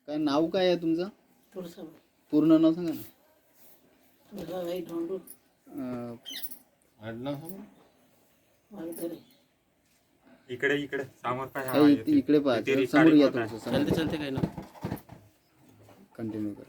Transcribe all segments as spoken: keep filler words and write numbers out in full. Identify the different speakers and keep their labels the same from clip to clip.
Speaker 1: काय नाव काय आहे तुमचं?
Speaker 2: तुळसाबाई.
Speaker 1: पूर्ण नाव सांगा ना.
Speaker 2: तुळसाबाई धोंडू
Speaker 1: अं,
Speaker 3: आडनाव सांगा.
Speaker 2: वाघधरे.
Speaker 4: इकडे इकडे समोर पाय. हा,
Speaker 1: काही
Speaker 4: येते.
Speaker 1: इकडे पहा
Speaker 4: येते रे,
Speaker 1: समोर या
Speaker 4: काळी
Speaker 1: तुमचं समोर
Speaker 5: चालते काय ना
Speaker 1: कंटिन्यू कर.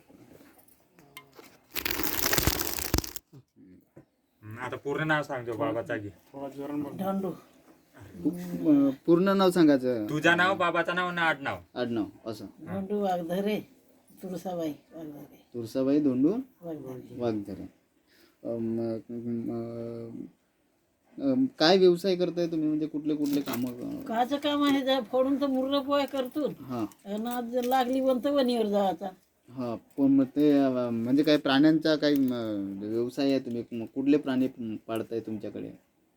Speaker 4: हम्म, आता पूर्ण नाव सांगतो बाबाचा घे.
Speaker 2: धोंडू
Speaker 1: अं, पूर्ण नाव सांगायचं.
Speaker 4: तुझं नाव, बाबाचं नाव ना आडनाव.
Speaker 1: आडनाव असं.
Speaker 2: धोंडू वाघधरे. तुळसाबाई वाघधरे.
Speaker 1: तुळसाबाई धोंडू
Speaker 2: वाघधरे.
Speaker 1: वाघधरे. अं, म- अं, अं, काय व्यवसाय करताय तुम्ही? म्हणजे कुठले कुठले कामं?
Speaker 2: काचं काम आहे जा फोडून तर मुर्र पोय करतो
Speaker 1: हां
Speaker 2: आणि आज जर लागली बनत वणीवर जायचा.
Speaker 1: हां पण मग ते अं, म्हणजे काय प्राण्यांचा काही अं, व्यवसाय आहे? तुम्ही म- कुठले प्राणी पाळताय तुमच्याकडे?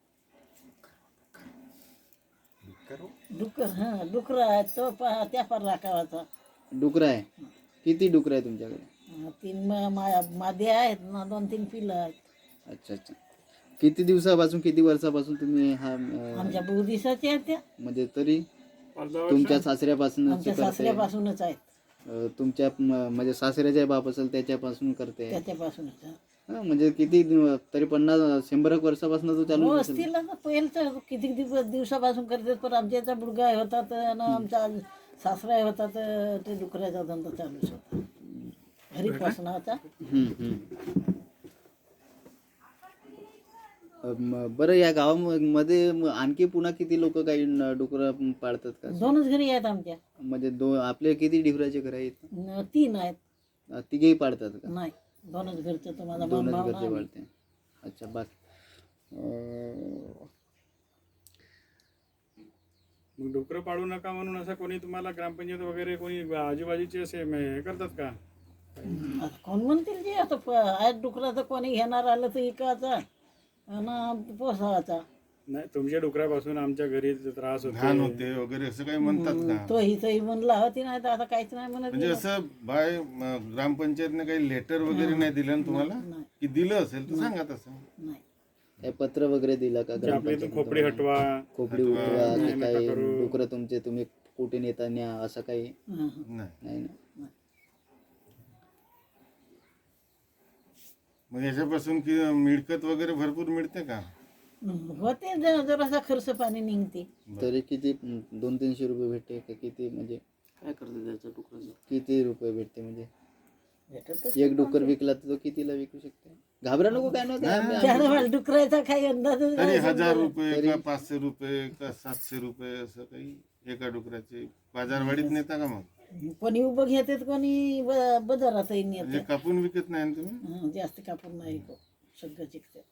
Speaker 2: डुकर हा डुकर आहे तो पहा त्या पार राखावाचा.
Speaker 1: डुकरं आहे. किती डुकरं आहे तुमच्याकडे?
Speaker 2: हा, तीन मा- मा- मादे आहेत ना दोन तीन पिलं आहेत.
Speaker 1: अच्छा अच्छा. किती दिवसापासून किती वर्षापासून तुम्ही हा अं,
Speaker 2: आमच्या बहु दिवसाच्या आहेत त्या.
Speaker 1: म्हणजे तरी तुमच्या सासऱ्यापासून
Speaker 2: आमच्या सासऱ्यापासूनच आहेत.
Speaker 1: तुमच्या म- म्हणजे सासऱ्याच्या बाप असेल त्याच्यापासून करते?
Speaker 2: त्याच्यापासूनच हा.
Speaker 1: हा, म्हणजे किती दिव- तरी पन्नास शंभर एक वर्षापासून तो
Speaker 2: हो
Speaker 1: चालू असेल.
Speaker 2: असतील ना पहिलं किती दिवस दिवसापासून करतात पण आमच्या याचा मुलगा होता तर ना आमचा सासरा होता तर ते डुकराचा धंदा चालूच होता घरीपासनाचा.
Speaker 1: हम्म, हम्म. अं, म- बरं या गावामध्ये म- आणखी पुन्हा किती लोक काही न- डुकरं पाळतात का?
Speaker 2: दोनच घरी आहेत आमच्या.
Speaker 1: म्हणजे दो आपले किती डिफराचे घर आहेत?
Speaker 2: न- तीन आहेत.
Speaker 1: अं, तिघेही पाळतात का?
Speaker 2: नाही दोनच घरचं तर माझा
Speaker 1: दोनच
Speaker 2: मामा
Speaker 1: घरचे पाळते. अच्छा बाकी अं,
Speaker 6: मग डुकरं पाळू नका म्हणून असं कोणी तुम्हाला ग्रामपंचायत वगैरे कोणी आजूबाजूचे असे म- हे करतात का?
Speaker 2: आता कोण म्हणतील जे आता प- आहेत डुकराचं कोणी घेणार आलं तर इकाचा आणि पोसावाचा.
Speaker 6: नाही तुमच्या डुकरापासून आमच्या घरी त्रास
Speaker 3: घाण
Speaker 6: होतो.
Speaker 3: होते वगैरे असं काही म्हणतात का?
Speaker 2: तो ही तही म्हणला होती नाही तर आता काहीच नाही म्हणत.
Speaker 3: म्हणजे असं बाय म, ग्रामपंचायतने काही लेटर वगैरे नाही दिलं ना तुम्हाला?
Speaker 2: नाही.
Speaker 3: की दिलं असेल तर सांगा तसं.
Speaker 2: नाही
Speaker 1: काय पत्र वगैरे दिलं का?
Speaker 6: की आपल्या इथून खोपडी हटवा.
Speaker 1: खोपडी उठवा
Speaker 6: नाही,
Speaker 1: की
Speaker 6: नका
Speaker 1: काही
Speaker 6: करू.
Speaker 1: डुकरं तुमचे तुम्ही कुठे नेता न्या असं काही
Speaker 2: हं, हं.
Speaker 3: नाही.
Speaker 1: नाही ना?
Speaker 3: मग याच्यापासून की मिळकत वगैरे भरपूर मिळते का?
Speaker 2: होते ज- जरासा खर्च पाणी निघते.
Speaker 1: तरी किती दोन तीनशे रुपये भेटते का किती? म्हणजे
Speaker 5: काय करते त्याचं डुकराचं?
Speaker 1: किती रुपये भेटते? म्हणजे
Speaker 2: भेटतच
Speaker 1: एक डुकर विकला तर तो कितीला विकू शकते? घाबरा नको काय नव्हतं. आम्ही-
Speaker 2: त्याला मला डुकरायचा काही अंदाजच
Speaker 3: तरी
Speaker 2: नाही
Speaker 3: हजार
Speaker 2: समजा.
Speaker 3: रुपये का पाचशे रुपये का सातशे रुपये असं काही एका डुकराचे बाजारवाडीत नेता का? मग
Speaker 2: कोणी उभं घेतात कोणी ब- बाजारातही
Speaker 3: म्हणजे
Speaker 2: नेते.
Speaker 3: कापून विकत नाही ना तुम्ही?
Speaker 2: हं, जास्त कापून नाही को सगळं चिकते.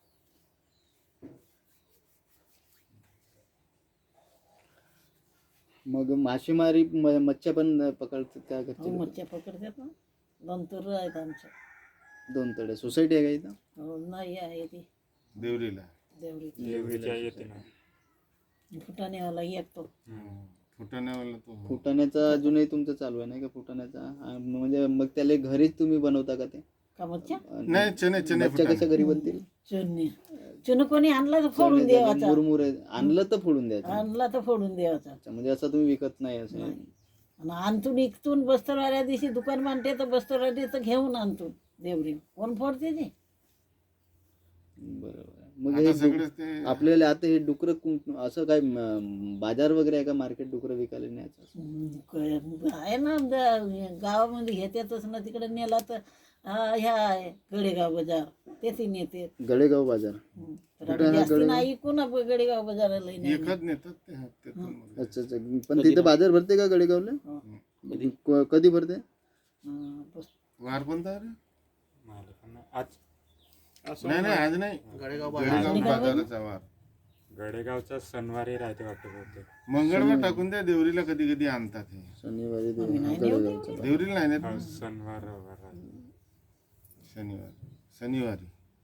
Speaker 1: मग मासेमारी म- मच्छ्या पण पकडतात का
Speaker 2: हो
Speaker 1: घरचे?
Speaker 2: मच्छ्या पकडतात ना. दोन तर आहेत आमच्या.
Speaker 1: दोन तळे सोसायटी आहे का इथं?
Speaker 2: हो नाही आहे ती
Speaker 3: देवरीला
Speaker 2: देवरी
Speaker 4: देवरीच्या येते ना.
Speaker 2: फुटाण्यावाला येतो.
Speaker 3: फुटाण्यावाला तो
Speaker 1: फुटाण्याचा अजूनही तुमचं चालू आहे नाही का? फुटाण्याचा आ, म्हणजे मग त्याला घरीच तुम्ही बनवता का ते?
Speaker 2: का मच्छ्या
Speaker 3: नाही चने चने
Speaker 1: मच्छ्या कशा घरी बनतील?
Speaker 2: चुन्नी चुन कोणी आणला तर फोडून द्यावाचा.
Speaker 1: मुरमुरे आणलं तर फोडून द्यायचं.
Speaker 2: आणला तर फोडून द्यावाचा.
Speaker 1: अच्छा, म्हणजे असं तुम्ही विकत नाही असं?
Speaker 2: आणि आणतून इकतून बस्तरवाल्या दिवशी दुकान मांडते तर बस्तरवाल्याचं घेऊन आणतो देवरी. कोण फोडते ते?
Speaker 1: बरोबर. मग
Speaker 3: आता
Speaker 1: हे
Speaker 3: सगळेच ते
Speaker 1: आपल्याला आता हे डुकरं कुं- असं काय म, बाजार वगैरे आहे का? मार्केट डुकरं विकायला न्यायचं असं?
Speaker 2: हम्म, क- आहे ना द- गावामध्ये घेतातच ना. तिकडे नेला तर हा, ह्या आहे गडेगाव बाजार तेथे नेते.
Speaker 1: गडेगाव बाजार.
Speaker 2: हम्म. तर आम्ही जास्ती नाही कोणा गडेगाव बाजाराला नाही.
Speaker 3: एकच नेतात ते हातातून.
Speaker 1: अच्छा अच्छा. पण तिथे बाजार भरते का गडेगावला? क- कधी भरते?
Speaker 2: हं, बस.
Speaker 3: वार कोणता रे?
Speaker 4: मला पण नाही. आज
Speaker 3: नाही नाही आज नाही.
Speaker 5: गडेगाव
Speaker 3: गडेगाव बाजाराचा वार
Speaker 4: गडेगावचा सणवारी राहते वाटतं बहुतेक.
Speaker 3: मंगळवार टाकून द्या. देवरीला कधी कधी आणतात हे.
Speaker 1: शनिवारी दे-
Speaker 2: आम्ही नाही
Speaker 1: गडेगावचा.
Speaker 3: देवरीला नाही नेत
Speaker 4: हा,
Speaker 3: ना?
Speaker 4: सणवार रविवार राहते.
Speaker 3: शनिवारी शनिवारी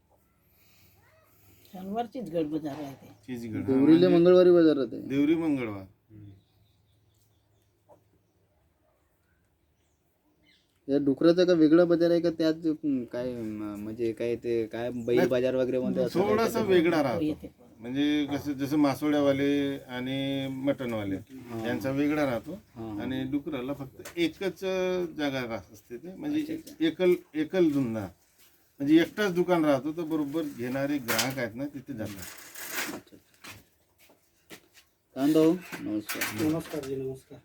Speaker 2: शनिवारचीच गड बाजार आहे ते.
Speaker 3: चीजगड. हा,
Speaker 1: देवरीला मंगळवारी बाजार राहते.
Speaker 3: देवरी मंगळवार.
Speaker 4: हम्म.
Speaker 1: या डुकराचा का वेगळा बाजार आहे का? त्यात अं, काय म, म्हणजे काय ते काय बैल बाजार वगैरे म्हणते असं काय?
Speaker 3: थोडासा वेगळा राहतो.
Speaker 2: येते.
Speaker 3: म्हणजे कसं जसं मासोळ्यावाले आणि मटणवाले यांचा वेगळा राहतो आणि डुकराला फक्त एकच जागा राहत असते ते म्हणजे एकल एकल धंदा म्हणजे एकटाच दुकान राहतो तर बरोबर घेणारे ग्राहक आहेत ना तिथे जातात.
Speaker 1: अच्छा कांदा हो नमस्कार.
Speaker 7: नमस्कार जी नमस्कार.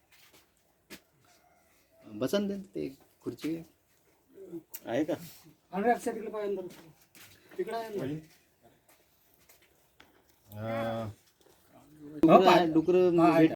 Speaker 1: बसन दे ते खुर्ची आहे का?
Speaker 7: हंड्रेड तिकडे पाहिजे तिकडे आहे
Speaker 3: अं,
Speaker 1: डुकर डुकर